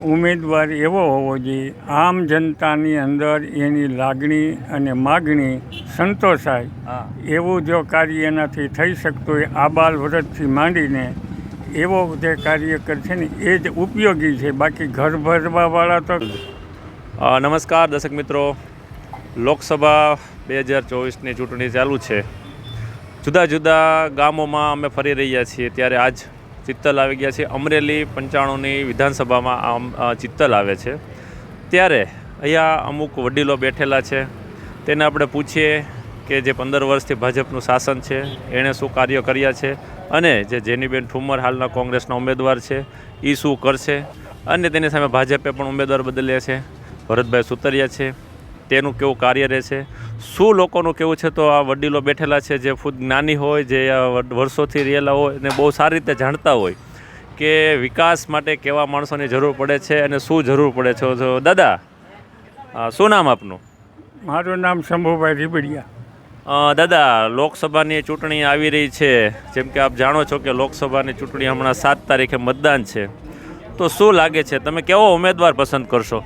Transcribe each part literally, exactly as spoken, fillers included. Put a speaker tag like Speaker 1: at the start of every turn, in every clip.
Speaker 1: ઉમેદવાર એવો હોવો જોઈએ આમ જનતાની અંદર એની લાગણી અને માગણી સંતોષાય એવું જો કાર્ય એનાથી થઈ શકતું હોય આબાલ વ્રતથી માંડીને એવો જે કાર્યકર છે ને એ જ ઉપયોગી છે. બાકી ઘર ભરવાવાળા તો
Speaker 2: નમસ્કાર દર્શક મિત્રો, લોકસભા બે હજાર ચોવીસની ચૂંટણી ચાલુ છે. જુદા જુદા ગામોમાં અમે ફરી રહ્યા છીએ. ત્યારે આજ ચિત્તલ આવી ગયા છે. અમરેલી પંચાણુંની વિધાનસભામાં ચિત્તલ આવે છે. ત્યારે અહીંયા અમુક વડીલો બેઠેલા છે. તેને આપણે પૂછીએ કે જે પંદર વર્ષથી ભાજપનું શાસન છે એણે શું કાર્ય કર્યા છે, અને જે જેનીબેન ઠુમ્મર હાલના કોંગ્રેસના ઉમેદવાર છે એ શું કરશે, અને તેની સામે ભાજપે પણ ઉમેદવાર બદલ્યા છે. ભરતભાઈ સુતરિયા છે, તેનું કેવું કાર્ય રહેશે, શું લોકોનું કેવું છે. તો આ વડીલો બેઠેલા છે જે ખુદ જ્ઞાની હોય, જે વર્ષોથી રહેલા હોય અને બહુ સારી રીતે જાણતા હોય કે વિકાસ માટે કેવા માણસોની જરૂર પડે છે અને શું જરૂર પડે છે. તો દાદા, શું નામ આપનું?
Speaker 1: મારું નામ શંભુભાઈ રીબડિયા.
Speaker 2: દાદા, લોકસભાની ચૂંટણી આવી રહી છે. જેમ કે આપ જાણો છો કે લોકસભાની ચૂંટણી હમણાં સાત તારીખે મતદાન છે. તો શું લાગે છે, તમે કેવો ઉમેદવાર પસંદ કરશો?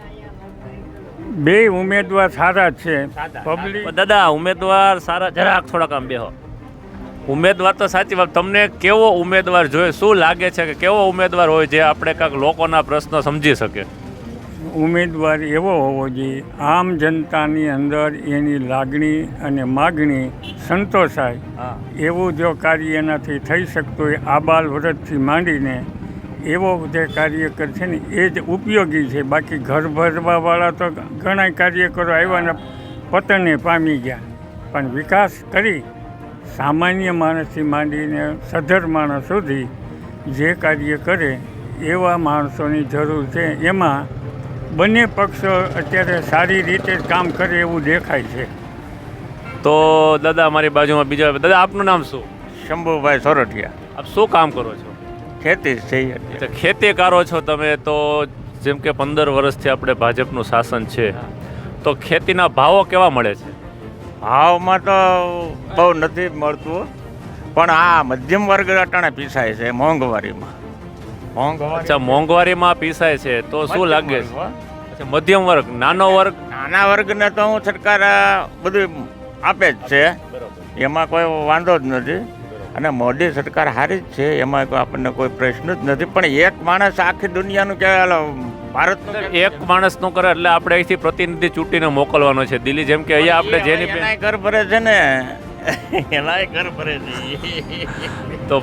Speaker 1: બે ઉમેદવાર સારા છે. પબ્લિક
Speaker 2: દાદા, ઉમેદવાર સારા, જરાક થોડાક આમ બેહો. ઉમેદવાર તો સાચી વાત, તમને કેવો ઉમેદવાર જોઈએ, શું લાગે છે કે કેવો ઉમેદવાર હોય જે આપણે કાંઈક લોકોના પ્રશ્નો સમજી શકે?
Speaker 1: ઉમેદવાર એવો હોવો જોઈએ આમ જનતાની અંદર એની લાગણી અને માગણી સંતોષાય એવું જો કાર્ય એનાથી થઈ શકતું હોય આબાલ વ્રતથી માંડીને એવો જે કાર્યકર છે ને એ જ ઉપયોગી છે. બાકી ઘર ભરવાવાળા તો ઘણા કાર્યકરો આવ્યા ને પતને પામી ગયા, પણ વિકાસ કરી સામાન્ય માણસથી માંડીને સધર માણસ સુધી જે કાર્ય કરે એવા માણસોની જરૂર છે. એમાં બંને પક્ષો અત્યારે સારી રીતે કામ કરે એવું દેખાય છે.
Speaker 2: તો દાદા, અમારી બાજુમાં બીજા દાદા, આપનું નામ શું?
Speaker 3: શંભુભાઈ સોરઠિયા.
Speaker 2: આપ શું કામ કરો છો?
Speaker 3: ખેતી છે.
Speaker 2: ખેતી કરો છો તમે. તો જેમ કે પંદર વર્ષથી આપણે ભાજપનું શાસન છે, તો ખેતીના ભાવો કેવા મળે છે?
Speaker 3: ભાવમાં તો બહુ નથી મળતું, પણ આ મધ્યમ વર્ગ અટાણે પીસાય છે મોંઘવારીમાં. મોંઘવારી
Speaker 2: અચ્છા, મોંઘવારીમાં પીસાય છે. તો શું લાગે છે? અચ્છા, મધ્યમ વર્ગ, નાનો વર્ગ?
Speaker 3: નાના વર્ગને તો હું સરકાર બધું આપે જ છે, એમાં કોઈ વાંધો જ નથી. અને મોદી સરકાર સારી જ છે, એમાં કોઈ આપણને કોઈ પ્રશ્ન જ નથી. પણ એક માણસ આખી દુનિયાનું કે ભારતનું
Speaker 2: એક માણસનું કરે એટલે આપણે અહીંથી પ્રતિનિધિ ચૂંટીને મોકલવાનો છે દિલ્હી. જેમ કે અહીંયા આપણે જેની
Speaker 3: એનાય ઘર ભરે છે ને એનાય ઘર ભરે છે.
Speaker 2: તો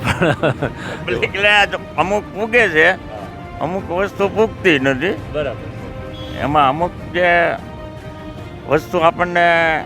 Speaker 3: એટલે અમુક પૂગે છે, અમુક વસ્તુ પૂગતી નથી.
Speaker 2: બરાબર.
Speaker 3: એમાં અમુક જે વસ્તુ આપણને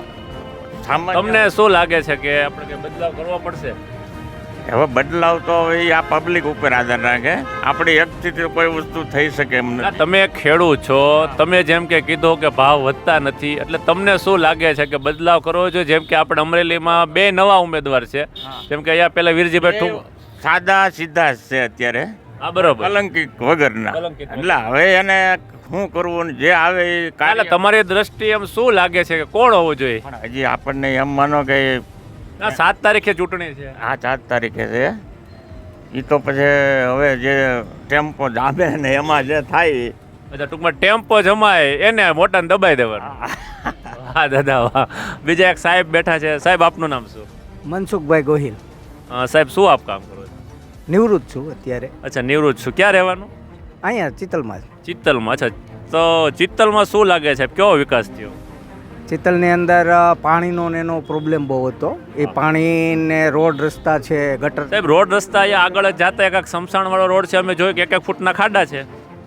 Speaker 2: તમને શું લાગે છે કે આપણે કંઈ બદલાવ કરવો પડશે?
Speaker 3: હવે બદલાવ તો એ આ પબ્લિક ઉપર આધાર રાખે. આપણી એકથી કોઈ વસ્તુ થઈ શકે એમ નથી.
Speaker 2: તમે ખેડૂત છો, તમે જેમ કે કીધું કે ભાવ વધતા નથી, એટલે તમને શું લાગે છે કે બદલાવ કરવો જોઈએ? જેમ કે આપણે અમરેલીમાં બે નવા ઉમેદવાર છે, જેમ કે અહીંયા પેલા વીરજીભાઈ ઠુમ્મર
Speaker 3: સાદા સીધા છે અત્યારે.
Speaker 2: હા, બરોબર.
Speaker 3: કલંકિત વગરના. એટલે હવે એને શું કરવું, જે આવે એ કાલે.
Speaker 2: તમારી દ્રષ્ટિએ એમ શું લાગે છે કે કોણ હોવું જોઈએ?
Speaker 3: પણ હજી આપણને એમ માનો કે
Speaker 2: સાત તારીખે ચૂંટણી છે.
Speaker 3: હા, સાત તારીખે છે. એ તો પછી હવે જે ટેમ્પો જામે ને એમાં જે થાય.
Speaker 2: અચ્છા, ટૂંકમાં ટેમ્પો જમાય એને મોટાને દબાઈ દેવાનું. હા દાદા, વાહ. બીજા એક સાહેબ બેઠા છે. સાહેબ, આપનું નામ શું?
Speaker 4: મનસુખભાઈ ગોહિલ.
Speaker 2: સાહેબ, શું આપ કામ કરો છો?
Speaker 4: નિવૃત્ત છું અત્યારે.
Speaker 2: અચ્છા, નિવૃત્ત છું. ક્યાં રહેવાનું?
Speaker 4: અહીંયા ચિત્તલમાં.
Speaker 2: ચિત્તલમાં. અચ્છા, તો ચિત્તલમાં શું લાગે છે, કેવો વિકાસ થયો?
Speaker 4: ચિત્તલની અંદર પાણીનો ને એનો પ્રોબ્લેમ બહુ હતો. એ પાણીને રોડ રસ્તા છે, ગટર.
Speaker 2: સાહેબ, રોડ રસ્તા અહીંયા આગળ જ જતા એક સમસાણવાળો રોડ છે, અમે જોયું કે એક એક ફૂટના ખાડા છે.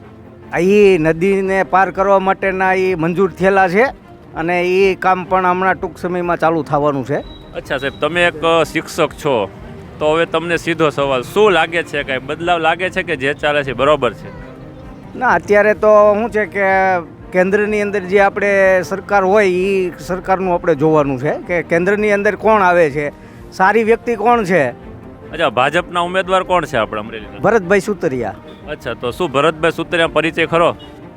Speaker 4: એ નદીને પાર કરવા માટેના એ મંજૂર થયેલા છે, અને એ કામ પણ હમણાં ટૂંક સમયમાં ચાલુ થવાનું છે.
Speaker 2: અચ્છા સાહેબ, તમે એક શિક્ષક છો, તો હવે તમને સીધો સવાલ, શું લાગે છે, કાંઈ બદલાવ લાગે છે કે જે ચાલે છે બરોબર છે?
Speaker 4: ના, અત્યારે તો શું છે કે કેન્દ્રની અંદર જે આપણે સરકાર હોય એ સરકારનું આપણે જોવાનું છે કે કેન્દ્રની અંદર કોણ આવે છે, સારી વ્યક્તિ કોણ છે.
Speaker 2: અચ્છા, ભાજપના ઉમેદવાર કોણ છે આપણે અમરેલીના?
Speaker 4: ભરતભાઈ સુતરિયા.
Speaker 2: અચ્છા, તો શું ભરતભાઈ સુતરિયા પરિચય ખરો?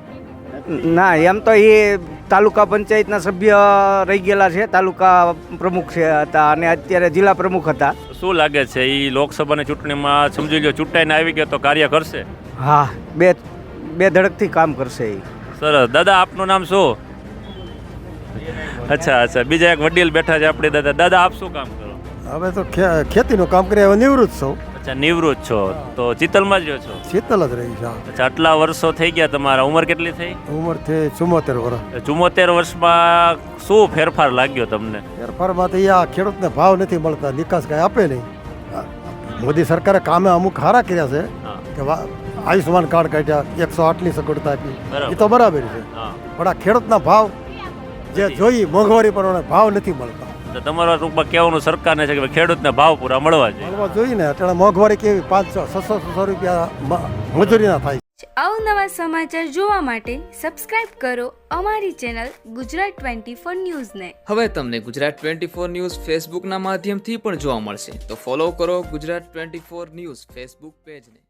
Speaker 4: ના, એમ તો એ તાલુકા પંચાયતના સભ્ય રહી ગયેલા છે, તાલુકા પ્રમુખ છે હતા અને અત્યારે જિલ્લા પ્રમુખ હતા.
Speaker 2: શું લાગે છે, એ લોકસભાની ચૂંટણીમાં સમજી લો ચૂંટાઈને આવી ગયા તો કાર્ય કરશે?
Speaker 4: હા, બે બે ધડકથી કામ કરશે એ.
Speaker 2: સરસ. દાદા આપનું નામ શું? અચ્છા અચ્છા બીજા એક વડીલ બેઠા છે આપણે દાદા. દાદા આપ શું કામ કરો?
Speaker 5: હવે તો ખે- ખેતીનું કામ કરી હવે નિવૃત્ત છું.
Speaker 2: અચ્છા નિવૃત્ત છો તો ચિત્તલમાં જ રહ્યો છો?
Speaker 5: શીતલ જ રહી છે.
Speaker 2: અચ્છા આટલા વર્ષો થઈ ગયા તમારા. ઉંમર કેટલી થઈ?
Speaker 5: ઉંમર થઈ ચુમ્મોતેર વર્ષ.
Speaker 2: ચુમ્મોતેર વર્ષમાં શું ફેરફાર લાગ્યો તમને?
Speaker 5: ફેરફારમાં તો આ ખેડૂતને ભાવ નથી મળતા, નિકાસ કાંઈ આપે નહીં. આ મોદી સરકારે કામે અમુક સારા કર્યા છે
Speaker 2: હા
Speaker 5: કે વા- આયુષ્માન કાર્ડ કાઢ્યા, એકસો આઠની સગવડતા આપી,
Speaker 2: બરાબર.
Speaker 5: એ તો બરાબર છે.
Speaker 2: હા
Speaker 5: પણ આ ખેડૂતના ભાવ જે જોઈએ મોંઘવારી પ્રમાણે ભાવ નથી મળતા.
Speaker 2: તો તમારા ટૂંકમાં કહેવાનું સરકારને છે કે ભાઈ ખેડૂતને ભાવ પૂરા મળવા જોઈએ.
Speaker 5: મળવા જોઈએ ને. અત્યારે મોંઘવારી કેવી, પાંચસો છસો છસો રૂપિયા મ- મજૂરીના થાય.
Speaker 6: અવનવા સમાચાર જોવા માટે સબસ્ક્રાઇબ કરો અમારી ચેનલ ગુજરાત ટ્વેન્ટી ફોર ન્યૂઝને.
Speaker 7: હવે તમને ગુજરાત ટ્વેન્ટી ફોર ન્યૂઝ ફેસબુકના માધ્યમથી પણ જોવા મળશે, તો ફોલો કરો Gujarat twenty four news Facebook પેજને.